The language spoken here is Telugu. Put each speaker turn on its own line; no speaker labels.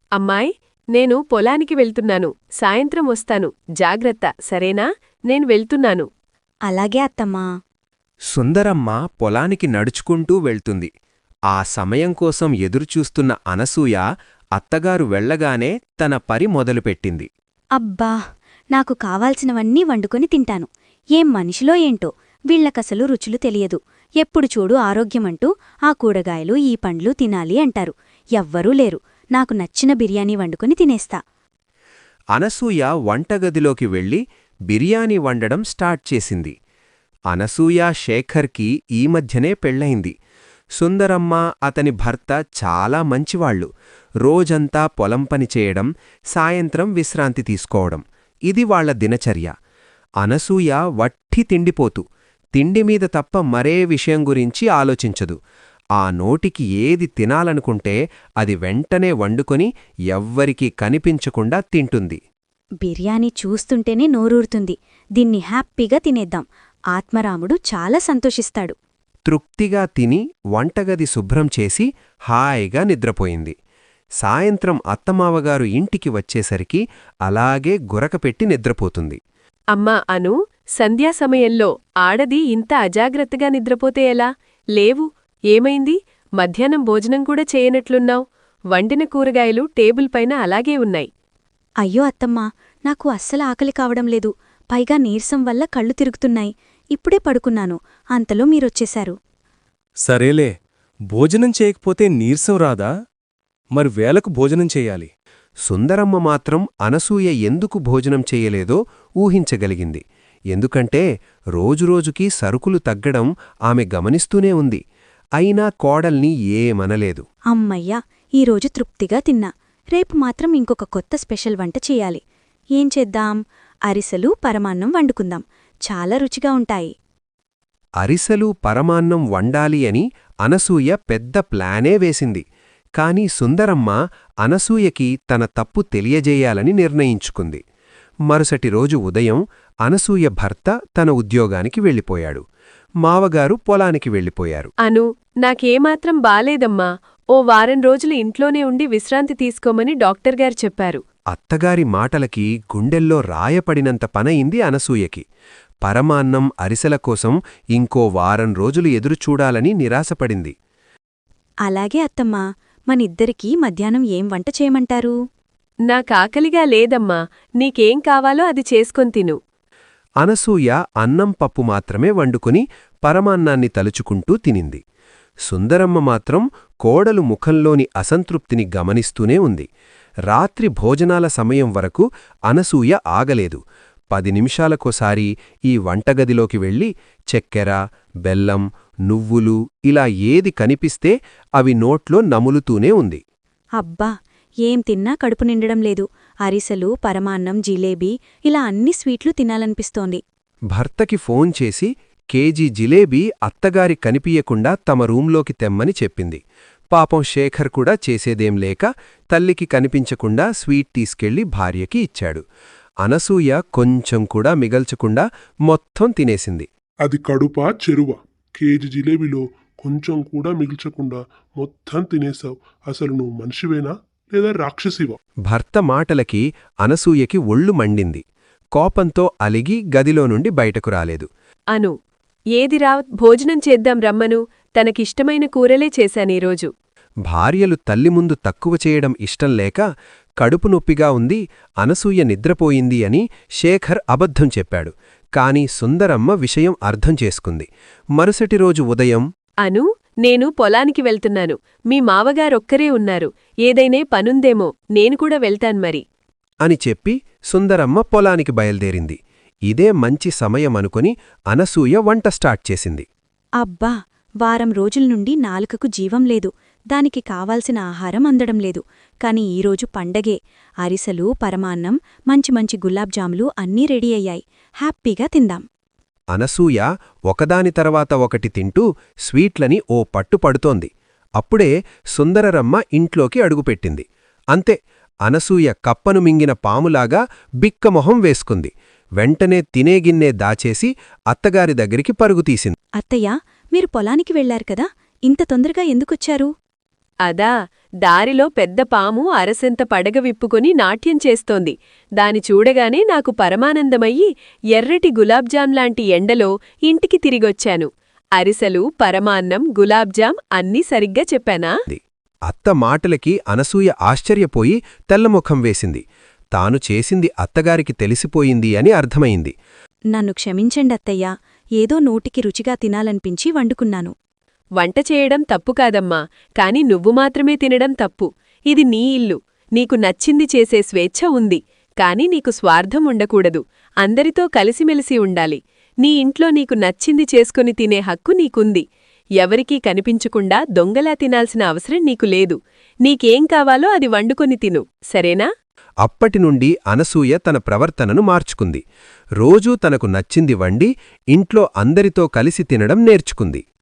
అమ్మాయ్, నేను పొలానికి వెళ్తున్నాను. సాయంత్రం వస్తాను. జాగ్రత్త, సరేనా? నేను వెళ్తున్నాను.
అలాగే అత్తమ్మా.
సుందరమ్మ పొలానికి నడుచుకుంటూ వెళ్తుంది. ఆ సమయం కోసం ఎదురుచూస్తున్న అనసూయ అత్తగారు వెళ్లగానే తన పని మొదలుపెట్టింది.
అబ్బా, నాకు కావాల్సినవన్నీ వండుకొని తింటాను. ఏం మనిషిలో ఏంటో, వీళ్లకసలు రుచులు తెలియదు. ఎప్పుడు చూడు ఆరోగ్యమంటూ ఆ కూరగాయలు ఈ పండ్లు తినాలి అంటారు. ఎవ్వరూ లేరు. నాకు నచ్చిన బిర్యానీ వండుకొని తినేస్తా.
అనసూయ వంటగదిలోకి వెళ్లి బిర్యానీ వండడం స్టార్ట్ చేసింది. అనసూయ శేఖర్కి ఈ మధ్యనే పెళ్లయింది. సుందరమ్మ అతని భర్త చాలా మంచివాళ్లు. రోజంతా పొలం పని చేయడం, సాయంత్రం విశ్రాంతి తీసుకోవడం, ఇది వాళ్ల దినచర్య. అనసూయ వట్టి తిండిపోతు. తిండిమీద తప్ప మరే విషయం గురించి ఆలోచించదు. ఆ నోటికి ఏది తినాలనుకుంటే అది వెంటనే వండుకొని ఎవ్వరికీ కనిపించకుండా తింటుంది.
బిర్యానీ చూస్తుంటేనే నోరూరుతుంది. దీన్ని హ్యాపీగా తినేద్దాం. ఆత్మరాముడు చాలా సంతోషిస్తాడు.
తృప్తిగా తిని వంటగది శుభ్రం చేసి హాయిగా నిద్రపోయింది. సాయంత్రం అత్తమావగారు ఇంటికి వచ్చేసరికి అలాగే గురకపెట్టి నిద్రపోతుంది.
అమ్మా అను, సంధ్యా సమయంలో ఆడది ఇంత అజాగ్రత్తగా నిద్రపోతే ఎలా? లేవు. ఏమైంది? మధ్యాహ్నం భోజనం కూడా చేయనట్లున్నావు. వండిన కూరగాయలు టేబుల్ పైన అలాగే ఉన్నాయి.
అయ్యో అత్తమ్మా, నాకు అస్సలు ఆకలి కావడం లేదు. పైగా నీరసం వల్ల కళ్ళు తిరుగుతున్నాయి. ఇప్పుడే పడుకున్నాను. అంతలో మీరొచ్చేశారు.
సరేలే, భోజనం చేయకపోతే నీరసం రాదా? మరి వేలకు భోజనం చెయ్యాలి.
సుందరమ్మ మాత్రం అనసూయ ఎందుకు భోజనం చెయ్యలేదో ఊహించగలిగింది. ఎందుకంటే రోజురోజుకీ సరుకులు తగ్గడం ఆమె గమనిస్తూనే ఉంది. అయినా కోడల్ని ఏమనలేదు.
అమ్మయ్యా, ఈరోజు తృప్తిగా తిన్నా. రేపు మాత్రం ఇంకొక కొత్త స్పెషల్ వంట చెయ్యాలి. ఏం చేద్దాం? అరిసెలు, పరమాన్నం వండుకుందాం. చాలా రుచిగా ఉంటాయి.
అరిసెలు, పరమాన్నం వండాలి అని అనసూయ పెద్ద ప్లానే వేసింది. కాని సుందరమ్మ అనసూయకి తన తప్పు తెలియజేయాలని నిర్ణయించుకుంది. మరుసటి రోజు ఉదయం అనసూయ భర్త తన ఉద్యోగానికి వెళ్ళిపోయాడు. మావగారు పొలానికి వెళ్ళిపోయారు.
అను, నాకేమాత్రం బాలేదమ్మా. ఓ వారం రోజులు ఇంట్లోనే ఉండి విశ్రాంతి తీసుకోమని డాక్టర్గారు చెప్పారు.
అత్తగారి మాటలకి గుండెల్లో రాయపడినంత పనయింది అనసూయకి. పరమాన్నం, అరిసెల కోసం ఇంకో వారం రోజులు ఎదురుచూడాలని నిరాశపడింది.
అలాగే అత్తమ్మా, మనిద్దరికీ మధ్యాహ్నం ఏం వంట చేయమంటారు?
నాకాకలిగా లేదమ్మా. నీకేం కావాలో అది చేసుకొని తిను.
అనసూయ అన్నం పప్పు మాత్రమే వండుకుని పరమాన్నాన్ని తలుచుకుంటూ తినింది. సుందరమ్మ మాత్రం కోడలు ముఖంలోని అసంతృప్తిని గమనిస్తూనే ఉంది. రాత్రి భోజనాల సమయం వరకు అనసూయ ఆగలేదు. 10 నిమిషాలకోసారి ఈ వంటగదిలోకి వెళ్ళి చెక్కెర, బెల్లం, నువ్వులు ఇలా ఏది కనిపిస్తే అవి నోట్లో నములుతూనే ఉంది.
అబ్బా, ఏం తిన్నా కడుపు నిండడం లేదు. అరిసెలు, పరమాన్నం, జిలేబీ ఇలా అన్ని స్వీట్లు తినాలనిపిస్తోంది.
భర్తకి ఫోన్ చేసి కేజీ జిలేబీ అత్తగారి కనిపియకుండా తమ రూంలోకి తెమ్మని చెప్పింది. పాపం శేఖర్ కూడా చేసేదేం లేక తల్లికి కనిపించకుండా స్వీట్ తీసుకెళ్లి భార్యకి ఇచ్చాడు. అనసూయ కొంచెం కూడా మిగల్చకుండా మొత్తం తినేసింది.
అది కడుపా చెరువా? కేజీ జిలేబీలో కొంచెం కూడా మిగిల్చకుండా మొత్తం తినేశావు. అసలు నువ్వు మనిషివేనా లేదా రాక్షసివా?
భర్త మాటలకి అనసూయకి ఒళ్ళు మండింది. కోపంతో అలిగి గదిలో నుండి బయటకు రాలేదు.
అను, ఏదిరా, భోజనం చేద్దాం రమ్మను. తనకిష్టమైన కూరలే చేశానీరోజు.
భార్యలు తల్లి ముందు తక్కువ చేయడం ఇష్టంలేక కడుపు నొప్పిగా ఉంది, అనసూయ నిద్రపోయింది అని శేఖర్ అబద్ధం చెప్పాడు. కాని సుందరమ్మ విషయం అర్థం చేసుకుంది. మరుసటి రోజు ఉదయం,
అను, నేను పొలానికి వెళ్తున్నాను. మీ మావగారొక్కరే ఉన్నారు. ఏదైనా పనుందేమో, నేను కూడా వెళ్తాన్మరి
అని చెప్పి సుందరమ్మ పొలానికి బయల్దేరింది. ఇదే మంచి సమయమనుకొని అనసూయ వంట స్టార్ట్ చేసింది.
అబ్బా, వారం రోజుల నుండి నాలుకకు జీవం లేదు. దానికి కావాల్సిన ఆహారం అందడం లేదు. కాని ఈరోజు పండగే. అరిసెలు, పరమాన్నం, మంచి మంచి గులాబ్జాములు అన్నీ రెడీ అయ్యాయి. హ్యాపీగా తిందాం.
అనసూయ ఒకదాని తర్వాత ఒకటి తింటూ స్వీట్లని ఓ పట్టు పడుతోంది. అప్పుడే సుందరరమ్మ ఇంట్లోకి అడుగుపెట్టింది. అంతే, అనసూయ కప్పను మింగిన పాములాగా బిక్కమొహం వేసుకుంది. వెంటనే తినేగిన్నే దాచేసి అత్తగారి దగ్గరికి పరుగుతీసింది.
అత్తయ్యా, మీరు పొలానికి వెళ్లారు కదా, ఇంత తొందరగా ఎందుకొచ్చారు?
అదా, దారిలో పెద్ద పాము అరసెంత పడగ విప్పుకొని నాట్యం చేస్తోంది. దాని చూడగానే నాకు పరమానందమయ్యి ఎర్రటి గులాబ్జాం లాంటి ఎండలో ఇంటికి తిరిగొచ్చాను. అరిసెలు, పరమాన్నం, గులాబ్జాం అన్నీ సరిగ్గా చెప్పానా?
అత్త మాటలకి అనసూయ ఆశ్చర్యపోయి తెల్లముఖం వేసింది. తాను చేసింది అత్తగారికి తెలిసిపోయింది అని అర్థమైంది.
నన్ను క్షమించండత్తయ్యా, ఏదో నోటికి రుచిగా తినాలనిపించి వండుకున్నాను.
వంట చేయడం తప్పు కాదమ్మా, కాని నువ్వు మాత్రమే తినడం తప్పు. ఇది నీ ఇల్లు, నీకు నచ్చింది చేసే స్వేచ్ఛ ఉంది. కాని నీకు స్వార్థం ఉండకూడదు. అందరితో కలిసిమెలిసి ఉండాలి. నీ ఇంట్లో నీకు నచ్చింది చేసుకుని తినే హక్కు నీకుంది. ఎవరికీ కనిపించకుండా దొంగలా తినాల్సిన అవసరం నీకు లేదు. నీకేం కావాలో అది వండుకొని తిను, సరేనా?
అప్పటినుండి అనసూయ తన ప్రవర్తనను మార్చుకుంది. రోజూ తనకు నచ్చింది వండి ఇంట్లో అందరితో కలిసి తినడం నేర్చుకుంది.